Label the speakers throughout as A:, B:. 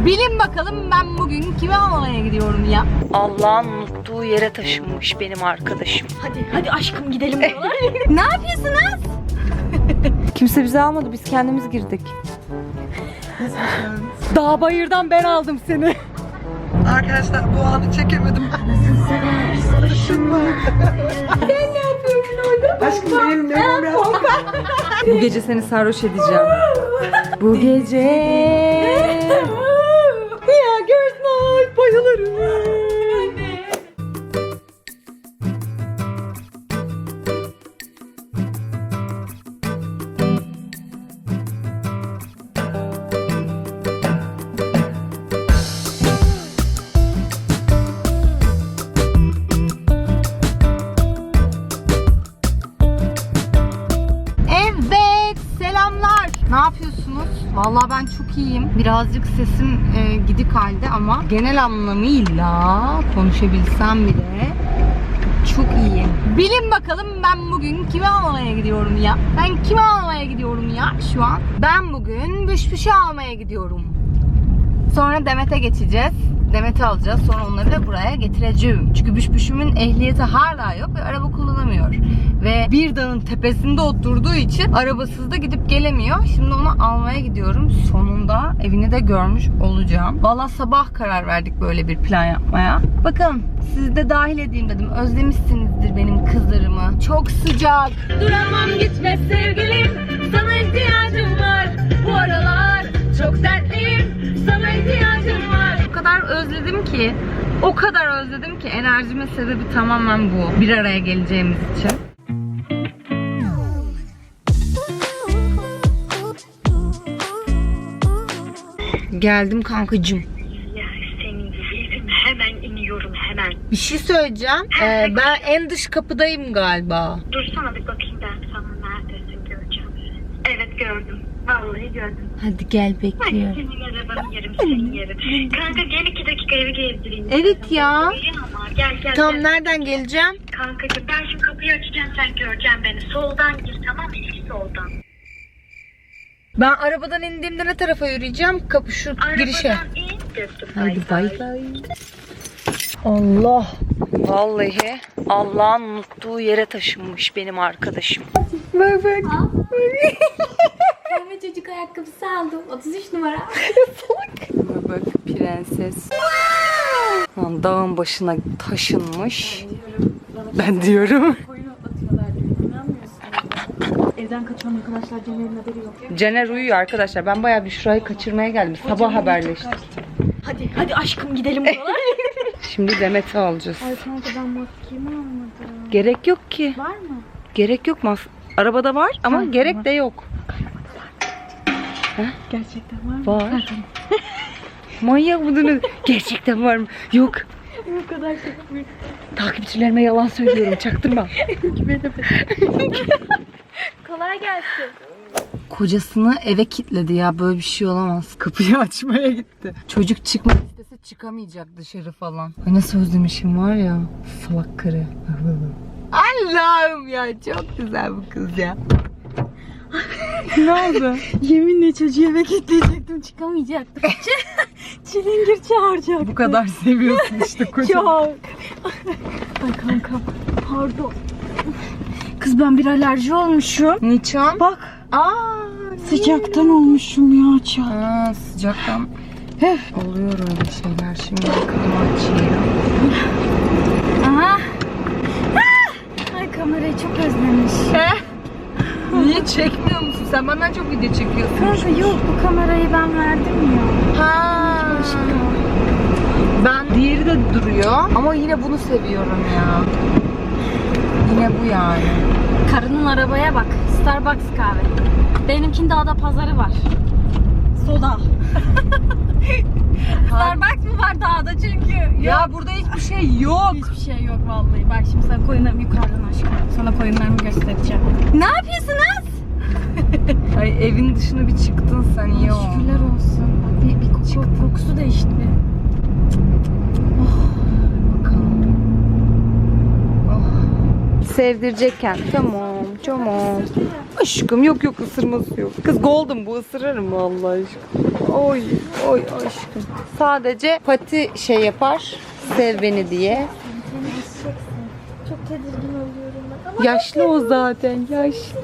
A: Bilin bakalım ben bugün kimi almaya gidiyorum ya?
B: Allah'ın unuttuğu yere taşınmış benim arkadaşım.
A: Hadi aşkım gidelim buralar. Ne yapıyorsunuz?
B: Kimse bizi almadı, biz kendimiz girdik. Dağ bayırdan ben aldım seni.
C: Arkadaşlar bu anı çekemedim.
A: Sen ne yapıyorsun orada?
C: Aşkım benim ne biraz.
B: Bu gece seni sarhoş edeceğim. Bu gece. Ya girls night, bayılırım.
A: Evet, selamlar. Ne yapıyorsunuz? Vallahi ben çok iyiyim. Birazcık sesim gidik halde ama genel anlamıyla konuşabilsem bile çok iyiyim. Bilin bakalım ben bugün kimi almaya gidiyorum ya? Ben kimi almaya gidiyorum ya şu an? Ben bugün Büşbüş'ü almaya gidiyorum. Sonra Demet'e geçeceğiz. Demet'i alacağız. Sonra onları da buraya getireceğim. Çünkü Büşbüş'ümün ehliyeti hala yok ve araba kullanamıyor. Ve bir dağın tepesinde oturduğu için arabasız da gidip gelemiyor. Şimdi onu almaya gidiyorum. Sonunda evini de görmüş olacağım. Vallahi sabah karar verdik böyle bir plan yapmaya. Bakalım sizi de dahil edeyim dedim. Özlemişsinizdir benim kızlarımı. Çok sıcak. Duramam gitme sevgilim. Sana ihtiyacım var. Bu aralar çok dertliyim. Sana ihtiyacım var. O kadar özledim ki. O kadar özledim ki enerjimin sebebi tamamen bu. Bir araya geleceğimiz için. Geldim kankacığım.
D: Ya senin yüzüm hemen iniyorum hemen.
A: Bir şey söyleyeceğim. Ben en dış kapıdayım galiba.
D: Dursana bir bakayım ben sana neredesin göreceğim seni. Evet gördüm. Vallahi gördüm.
A: Hadi gel
D: Hadi
A: bekliyorum.
D: senin arabanı yerim senin yerim. Kanka gel 2 dakika evi gezdireyim.
A: Evet ya.
D: Ama gel
A: Tamam
D: gel.
A: nereden geleceğim?
D: Kankacığım ben şimdi kapıyı açacağım sen göreceksin beni. Soldan gir tamam mı? İlk soldan.
A: Ben arabadan indiğimde ne tarafa yürüyeceğim? Kapı şu girişe.
D: Arabadan in. Gördüm.
A: Hadi bay bay. Allah.
B: Vallahi Allah'ın unuttuğu yere taşınmış benim arkadaşım.
A: Bak bak.
E: Ben çocuk ayakkabısı aldım. 33 numara.
B: Bak prenses. Lan dağın başına taşınmış. Ben diyorum.
E: Koyunu atıyorlar diyor. İnanmıyorsun. Evden kaçan arkadaşlar Cener'in haberi yok.
B: Caner uyuyor arkadaşlar. Ben bayağı bir şurayı kaçırmaya geldim. Sabah haberleştik.
E: Hadi aşkım gidelim buralar.
B: Şimdi Demet'i alacağız.
E: Ay kanka ben maskemi almadım.
B: Gerek yok ki.
E: Var mı?
B: Gerek yok. Arabada var ama gerek de yok.
E: Gerçekten var mı?
B: Var. Manyak mıdınız? Gerçekten var mı? Yok.
E: Bu kadar şey yapmıyorum.
B: Takipçilerime yalan söylüyorum. Çaktırma.
E: Kolay gelsin.
A: Kocasını eve kilitledi ya. Böyle bir şey olamaz. Kapıyı açmaya gitti. Çocuk çıkmak istese çıkamayacak dışarı falan. Ay nasıl özlemişim var ya. Salak karı. Allah'ım ya çok güzel bu kız ya. Ne oldu?
E: Yeminle çocuğu eve kilitleyecektim. Çıkamayacaktım. Çilingir çağıracaktım.
A: Bu kadar seviyorsun işte kocanı.
E: Çok. Ay kanka pardon. Kız ben bir alerji olmuşum.
A: Niçin?
E: Bak
A: Aa,
E: sıcaktan olmuşum ya çok.
A: ha, sıcaktan. Oluyor öyle şeyler. Şimdi bakalım açayım.
E: Aha. Ay kamerayı çok özlemiş.
A: Niye çekmiyor musun? Sen benden çok video çekiyorsun.
E: Kanka yok bu kamerayı ben verdim ya.
A: Ha. Ben diğeri de duruyor ama yine bunu seviyorum ya. Yine bu yani.
E: Karının arabaya bak. Starbucks kahve. Benimkinde ada pazarı var. Soda. Starbucks mı var dağda çünkü?
A: Ya burada hiçbir şey yok.
E: Hiçbir şey yok vallahi. Bak şimdi sana koyunlarımı yukarıdan aşkım. Sana koyunlarımı göstereceğim.
A: Ne yapıyorsunuz? Ay evin dışına bir çıktın sen iyi oldu.
E: Şükürler olsun. Bak bir kokusu değişti.
A: Bakalım.
B: Sevdirecekken. Tamam.
A: Tamam. Aşkım yok ısırması yok. Kız golden bu, ısırırım vallahi aşkım. Oy aşkım. Sadece pati şey yapar. Sev beni diye.
E: Çok tedirgin oluyorum bak. Ama
A: Yaşlı o zaten, yaşlı.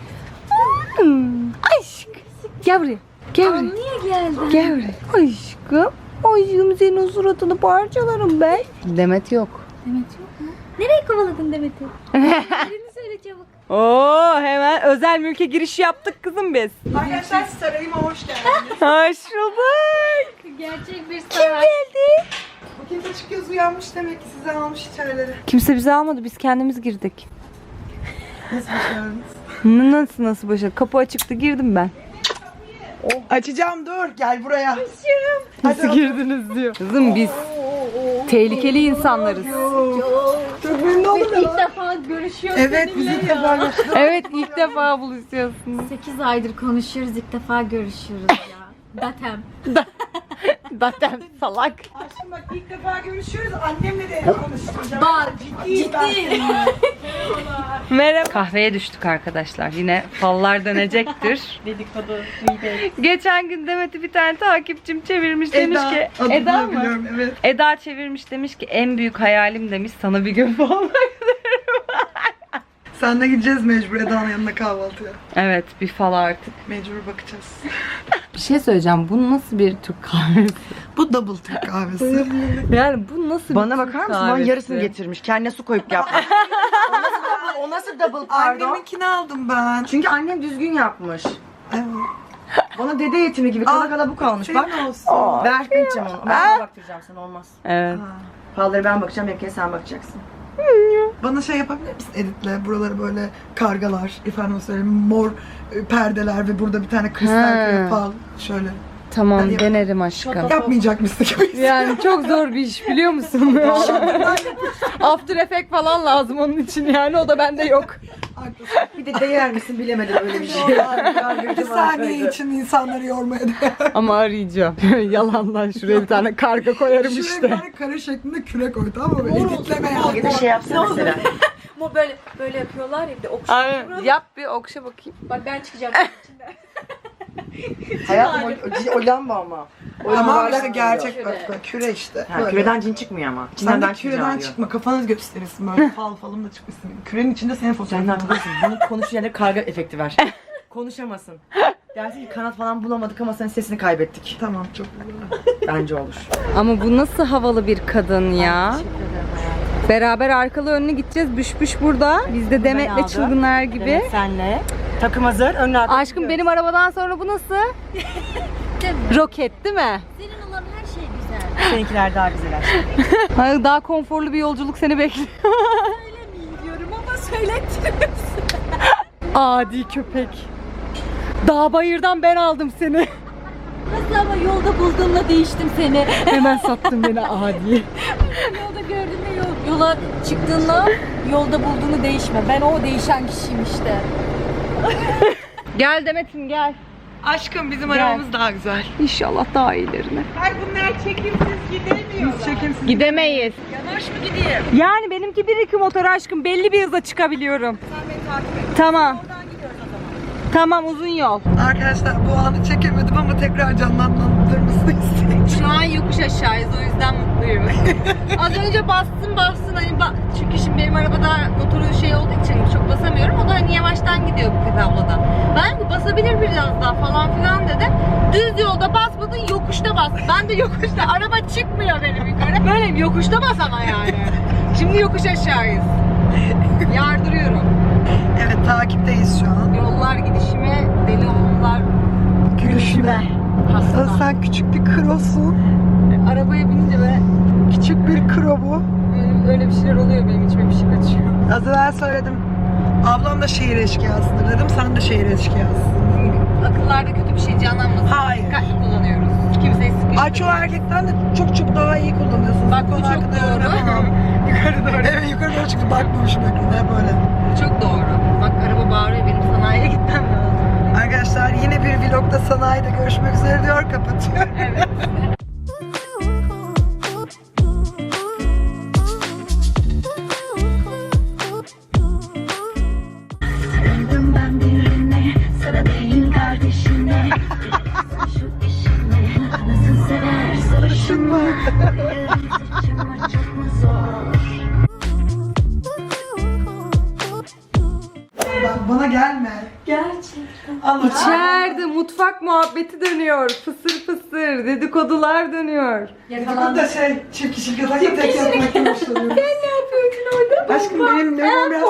A: Aşk. Gel buraya. Gel buraya.
E: niye geldin?
A: Gel buraya. Aşkım. Aşkım senin suratını parçalarım ben. Demet yok.
E: Demet yok mu? Nereye kovaladın Demet'i? Yerini söyle çabuk.
A: Oo, hemen özel mülke giriş yaptık kızım biz.
C: Arkadaşlar sarayıma hoş geldiniz.
A: Hoş bulduk.
E: Gerçek bir
A: Kim
E: saray.
A: geldi?
C: Bu kimse açık göz uyanmış demek ki size almış içerileri.
A: Kimse bizi almadı. Biz kendimiz girdik.
C: Nasıl başardınız?
A: Nasıl başladı? Kapı açıktı, girdim ben.
C: Açacağım dur gel buraya.
A: Nasıl girdiniz diyor. Kızım biz tehlikeli insanlarız.
C: Çok memnun oldum
E: İlk
C: ya.
E: defa görüşüyoruz
C: Evet biz ilk defa görüştük.
A: Evet, ilk defa buluşuyorsunuz.
E: 8 aydır konuşuyoruz, ilk defa görüşüyoruz ya. Datem.
A: Zaten salak.
C: Aşkım bak ilk defa görüşüyoruz. Annemle de konuşacağım.
E: Bak,
C: Ciddiyim.
A: Merhaba. Kahveye düştük arkadaşlar. Yine fallar dönecektir.
C: Dedikodu.
A: Geçen gün Demet'i bir tane takipçim çevirmiş, demiş ki
C: Adını
A: Eda mı?
C: biliyorum, evet.
A: Eda çevirmiş, demiş ki en büyük hayalim demiş sana bir gün falan.
C: Senle gideceğiz mecbur Eda'nın yanına kahvaltıya.
A: Evet, bir fal artık.
C: Mecbur bakacağız.
A: Bir şey söyleyeceğim. Bu nasıl bir Türk kahvesi?
C: Bu double Türk kahvesi.
A: Yani bu nasıl
F: Bana
A: bir
F: bakar
A: Türk
F: mısın? Bana
A: kahvesi?
F: yarısını getirmiş. Kendine su koyup yapmış. O nasıl double pardon?
C: Anneminkini aldım ben.
F: Çünkü annem düzgün yapmış.
C: Evet.
F: Bana dede yetimi gibi kala kala bu kalmış. Bak.
C: Senin olsun.
F: Ben aşkım içeceğim onu. Ben sana baktıracağım sana olmaz.
A: Evet.
F: Falları ben bakacağım, hepkine sen bakacaksın.
C: Bana şey yapabilir misin editle? Buraları böyle kargalar, efendim söyleyeyim mor perdeler ve burada bir tane kristal küre fal şöyle.
A: Tamam,
C: Hadi
A: denerim aşkım.
C: Yapmayacakmışsın gibi.
A: Yani çok zor bir iş, biliyor musun? After Effect falan lazım onun için, yani o da bende yok.
C: Haklısın.
F: Bir de değer misin bilemedim öyle bir şey.
C: Bir saniye için insanları yormaya değer.
A: Ama arayacağım. Yalandan şuraya bir tane karga koyarım
C: Şuraya
A: işte.
C: bir tane kare şeklinde küre koy, tamam mı? Editleme
F: Ya da
C: yani.
F: şey yapsana mesela.
B: Ama böyle yapıyorlar ya bir de
A: Aynen. Yap bir okşa bakayım.
B: Bak ben çıkacağım içinden.
F: Hayatım o lamba ama. O
C: Ama
F: yuvarlak
C: işte gerçek
F: oluyor.
C: bak küre işte.
F: Ha,
C: Böyle.
F: küreden cin çıkmıyor ama.
C: Sen
F: İçinden
C: de
F: ben çıkacağım
C: küreden
F: diyor.
C: çıkma, kafanız gösterirsin böyle fal falım da çıkmışsın. Kürenin içinde senin
F: Sen
C: fotoğrafın
F: de
C: var.
F: haklısın. Bunu konuşuyor yerine karga efekti ver. Konuşamasın. Dersin ki kanat falan bulamadık ama senin sesini kaybettik.
C: Tamam çok güzel.
F: Bence olur.
A: Ama bu nasıl havalı bir kadın ya. Beraber arkalı önlü gideceğiz. Büş burada. Biz de Demet'le
F: aldım.
A: çılgınlar gibi.
F: Evet, senle. Takım hazır. Önüne arka
A: Aşkım benim arabadan sonra bu nasıl? Roket değil mi?
E: Senin olan her şey güzel.
F: Seninkiler daha güzel aşkım.
A: Hayır, daha konforlu bir yolculuk seni bekliyor.
E: Diyorum ama söylettiriyorsun.
A: Adi köpek. Dağ bayırdan ben aldım seni.
E: Nasıl ama yolda bulduğumla değiştim seni.
A: Hemen sattın beni adi.
E: Yolda gördüğümde yola çıktığında yolda bulduğunu değişme. Ben o değişen kişiyim işte.
A: Gel Demet'im gel.
C: Aşkım bizim
A: Gel.
C: arabamız daha güzel.
A: İnşallah daha iyilerine.
C: Ay bunlar çekimsiz gidemiyorlar. Biz çekimsiz
A: Gidemeyiz.
C: yanaş mı gideyim?
A: Yani benimki 1-2 motor aşkım. Belli bir hıza çıkabiliyorum.
C: Sen beni takip et.
A: Tamam. Tamam, uzun yol.
C: Arkadaşlar bu anı çekemedim ama tekrar canlandırmasını istedim.
A: Şu an yokuş aşağıyız, o yüzden mutluyum. Az önce bastın hani çünkü şimdi benim arabada motoru şey olduğu için çok basamıyorum. O da hani yavaştan gidiyor bu tabloda. Ben de basabilir biraz daha falan filan dedim. Düz yolda basmadın, yokuşta bas. Ben de yokuşta, araba çıkmıyor benim yukarı. Böyle yokuşta bas ama yani. Şimdi yokuş aşağıyız. Yardırıyorum.
C: Evet takipteyiz şu an.
A: Yollar gidişime, deli oğullar
C: Gülüşüme.
A: hasta.
C: Sen küçük bir krosun.
A: Arabaya binince böyle
C: Küçük bir kro bu.
A: öyle bir şeyler oluyor, benim içime bir şey kaçıyor.
C: Az evvel söyledim. Ablam da şehir eşkıyasıdır dedim. Sen de şehir eşkıyasın.
A: Akıllarda kötü bir şey canlanmasın.
C: Hayır.
A: Dikkatli kullanıyoruz. Kimseyi sıkıştırmıyoruz.
C: Ay çoğu erkekten de çok daha iyi kullanıyorsunuz.
A: Bak, bu
C: konu
A: çok
C: hakkında
A: doğru.
C: yorum yapamam. Yukarı doğru. Evet yukarı doğru çıktı. Bakmamışım ekrana hep böyle.
A: Çok doğru. Bak araba bağırıyor, benim sanayiye gitmem lazım.
C: Arkadaşlar yine bir vlogda sanayide görüşmek üzere diyor, kapatıyor. Bana gelme.
E: Gerçekten.
C: Allah.
B: İçeride mutfak muhabbeti dönüyor. Fısır fısır dedikodular dönüyor.
C: Bu da çift kişilik yatakta tek yatmaktan hoşlanıyorum. Sen ne yapıyorsun orada? Aşkım benim memom biraz...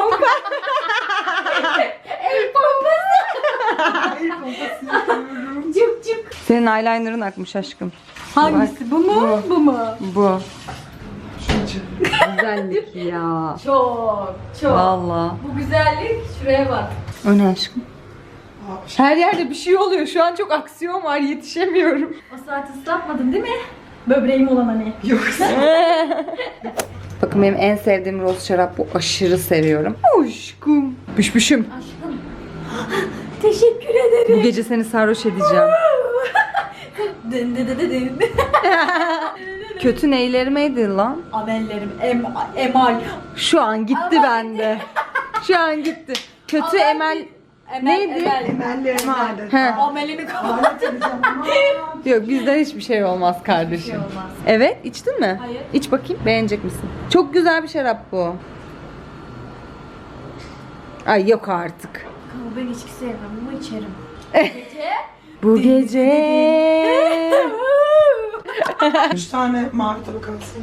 C: El pompası yapıyorum.
B: Senin eyeliner'ın akmış aşkım.
E: Hangisi? Bu mu? Bu mu?
B: Bu.
C: Şuncu.
B: Güzellik ya.
E: Çok.
B: Valla.
E: Bu güzellik şuraya bak.
B: O ne aşkım? Her yerde bir şey oluyor. Şu an çok aksiyon var. Yetişemiyorum.
E: O saati ıslatmadın değil mi? Böbreğim olan hani.
C: Yoksa.
B: Bakın benim en sevdiğim roz şarap bu. Aşırı seviyorum. Aşkım. Büşbüşüm.
E: Aşkım. Teşekkür ederim.
B: Bu gece seni sarhoş edeceğim.
E: Dın dı dı dı dın.
B: Kötü neylerimeydi lan?
E: Amellerim emal.
B: Şu an gitti bende. Şu an gitti. Kötü emel... Neydi?
C: Emellerim adet.
B: He.
E: Amelini
C: Alet edeceğim ama.
B: Yok bizden hiçbir şey olmaz kardeşim.
E: olmaz.
B: Evet içtin mi?
E: Hayır.
B: İç bakayım beğenecek misin? Çok güzel bir şarap bu. Ay yok artık.
E: Ben içki sevmem ama içerim.
B: Bu gece.
C: 3 tane mavi tabak alsın.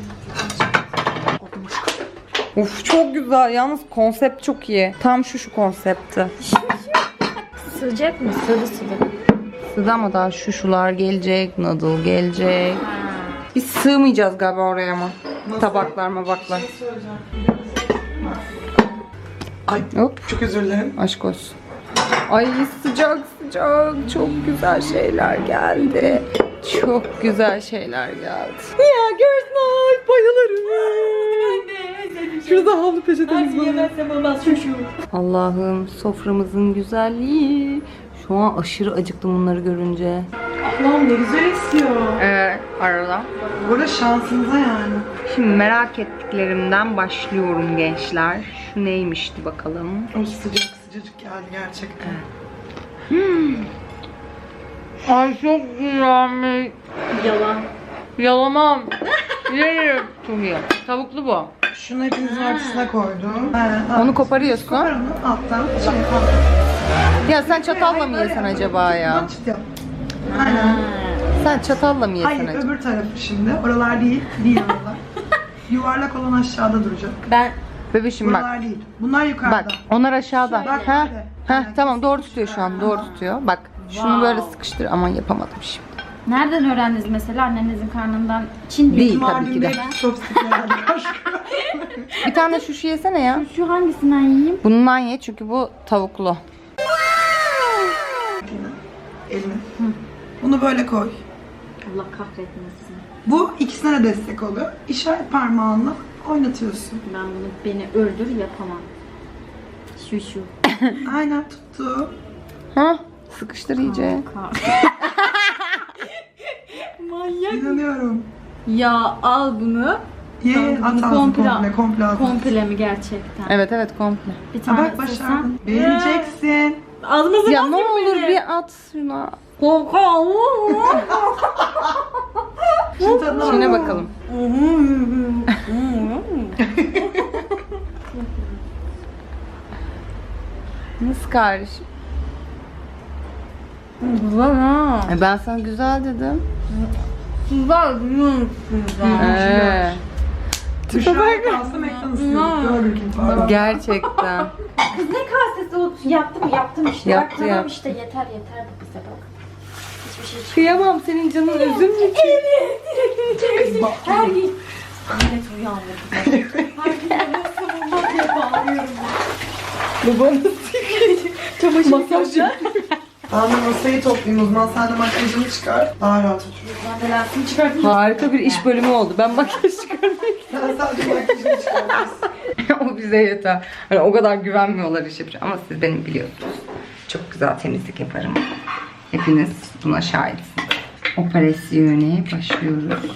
B: Uf çok güzel. Yalnız konsept çok iyi. Tam şu konsepti.
E: Sıcak mı? Sıvı sıvı.
B: Size ama daha şuşular gelecek, noodle gelecek. Biz sığmayacağız galiba oraya ama. Tabaklar mabaklar.
C: Söyleyeceğim. Ay
B: Hop.
C: çok özür dilerim.
B: Aşk olsun. Ay sıcak sıcak. Çok güzel şeyler geldi. Çok güzel şeyler geldi. Ya girls night bayılırım. Şurada havlu peçetemiz var.
E: Yemezsem olmaz şu.
B: Allah'ım soframızın güzelliği. Şu an aşırı acıktım bunları görünce.
C: Allah'ım ne güzel esiyor.
B: Arada.
C: Burada şansınıza yani.
B: Şimdi merak ettiklerimden başlıyorum gençler. Şu neymişti bakalım.
C: O sıcacık geldi gerçekten.
B: Ay çok güzelmiş.
E: Yalan.
B: Yalamam. Yerim. Çok iyi. Tavuklu bu.
C: Şunu hepinizin ortasına koydum.
B: Onu koparıyorsun.
C: Kopar onu alttan.
B: Ya sen çatalla mı yesen acaba ya?
C: Çıt yap. Aynen.
B: Sen çatalla mı yesen
C: Hayır
B: acaba?
C: öbür tarafı şimdi. Oralar değil. Değil oralar. Yuvarlak olan aşağıda duracak.
E: Ben
B: Bebişim bak.
C: Buralar değil. Bunlar yukarıda.
B: Bak onlar aşağıda.
C: Bak
B: Ha?
C: böyle.
B: Ha
C: Aynen.
B: tamam doğru tutuyor şu an. Doğru tutuyor. Bak şunu böyle sıkıştır. Aman yapamadım şimdi.
E: nereden öğrendiniz mesela annenizin karnından? Çin
B: Değil
E: diyor.
B: tabii ki de.
C: Mardin'de chopstick'le geldik aşkım.
B: Bir tane şu yesene ya.
E: Şu hangisinden yiyeyim?
B: Bundan ye çünkü bu tavuklu.
C: Elini. Bunu böyle koy.
E: Allah kahretmesin.
C: Bu ikisine de destek oluyor. İşaret parmağınla oynatıyorsun.
E: Ben bunu beni öldür yapamam. Şu.
C: Aynen tuttu.
B: Ha? Sıkıştır iyice.
E: Manyak.
C: İnanıyorum.
E: Ya al bunu.
C: Ye
E: Tamam,
C: at
E: bunu
C: ağzını komple at.
E: Komple mi gerçekten?
B: Evet evet komple.
E: Bir
C: Ha
E: tane
C: bak başardın. Beğeneceksin.
E: Ağzımızı
B: Ya ne olur bir at şuna.
C: Şunun tadına
B: Şuna
C: bak.
B: bakalım. Nasıl kardeşim?
E: Güzel ha.
B: Ben sana güzel dedim.
E: Güzel.
C: Büşra'ya kalsa McDonald's diyorduk. Burger King var.
B: Gerçekten.
E: Kız ne kasesi o? Yaptım işte.
B: Yaptı,
E: Bak, tamam
B: yaptı.
E: işte yeter bu bize bak. Hiçbir şey çıkmıyor.
B: Kıyamam senin canın üzüm mü?
E: Her gün. Millet uyandı. Her gün nasıl bulmak diye bağırıyorum.
B: Masaj yap.
C: Ben de masayı toplayayım o zaman. Sen de makyajını çıkar. Daha rahat otur.
E: Ben belasını çıkartayım.
B: Harika bir iş bölümü oldu. Ben makyaj çıkarmayayım.
C: Sen sadece makyajını çıkar.
B: O bize yeter. Hani o kadar güvenmiyorlar iş yapacağım. Ama siz benim biliyorsunuz. Çok güzel temizlik yaparım. Hepiniz buna şahitsiniz. Operasyona başlıyoruz.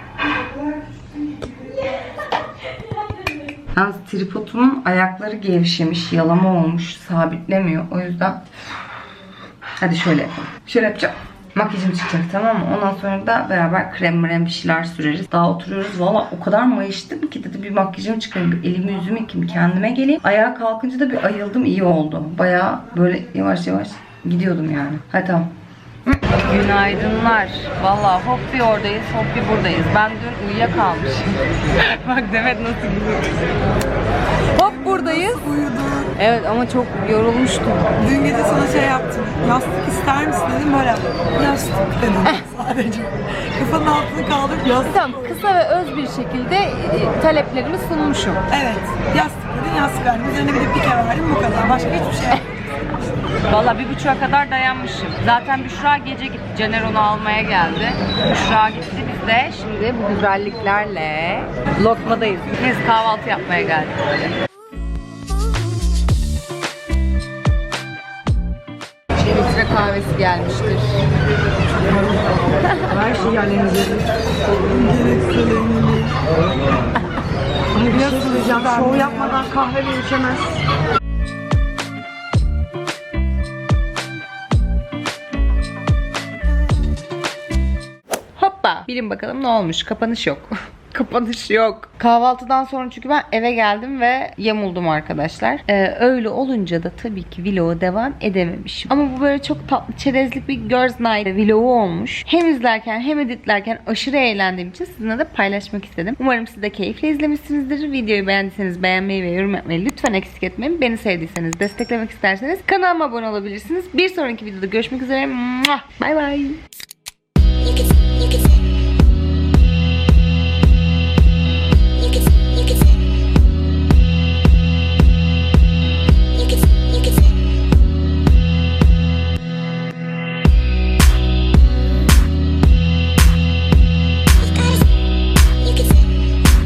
B: Yalnız tripodumun ayakları gevşemiş, yalama olmuş, sabitlemiyor. O yüzden hadi şöyle yapalım. Şöyle yapacağım. Makyajım çıkacak, tamam mı? Ondan sonra da beraber krem bir şeyler süreriz. Daha oturuyoruz. Valla o kadar mayıştım ki dedi bir makyajım çıkarayım. Bir elimi yüzümü yıkayayım, kendime geleyim. Ayağa kalkınca da bir ayıldım, iyi oldu. Baya böyle yavaş yavaş gidiyordum yani. Hadi tamam. Günaydınlar. Valla hop bir oradayız, hop bir buradayız. Ben dün uyuyakalmışım. Bak Demet nasıl gidiyor. Hop buradayız.
C: Uyudum.
B: Evet ama çok yorulmuştum.
C: Dün gece sana şey yaptım. Yastık ister misin dedim, böyle yastık dedim sadece. Kafanın altını kaldırıp yastık.
B: Tamam, kısa ve öz bir şekilde taleplerimi sunmuşum.
C: Evet. Yastık dedin, yastık verdim. Üzerine bir de pike verdim, bu kadar. Başka hiçbir şey yok.
B: Valla 1.30'a kadar dayanmışım. Zaten Büşra gece gitti. Caner onu almaya geldi. Büşra gitti, biz de şimdi bu güzelliklerle lokmadayız. Biz kahvaltı yapmaya geldik böyle. Filtre kahvesi gelmiştir.
F: Her şey yerlerinize.
C: Ama bir şey
F: Söyleyeceğim, şov yapmadan kahve de içemez.
B: Hoppa. Bilin bakalım ne olmuş. Kapanış yok. Kapanış yok. Kahvaltıdan sonra çünkü ben eve geldim ve yamuldum arkadaşlar. Öyle olunca da tabii ki vlogu devam edememişim. Ama bu böyle çok tatlı çerezlik bir girls night vlogu olmuş. Hem izlerken hem editlerken aşırı eğlendiğim için sizinle de paylaşmak istedim. Umarım siz de keyifle izlemişsinizdir. Videoyu beğendiyseniz beğenmeyi ve yorum yapmayı lütfen eksik etmeyin. Beni sevdiyseniz, desteklemek isterseniz kanalıma abone olabilirsiniz. Bir sonraki videoda görüşmek üzere. Bye bye.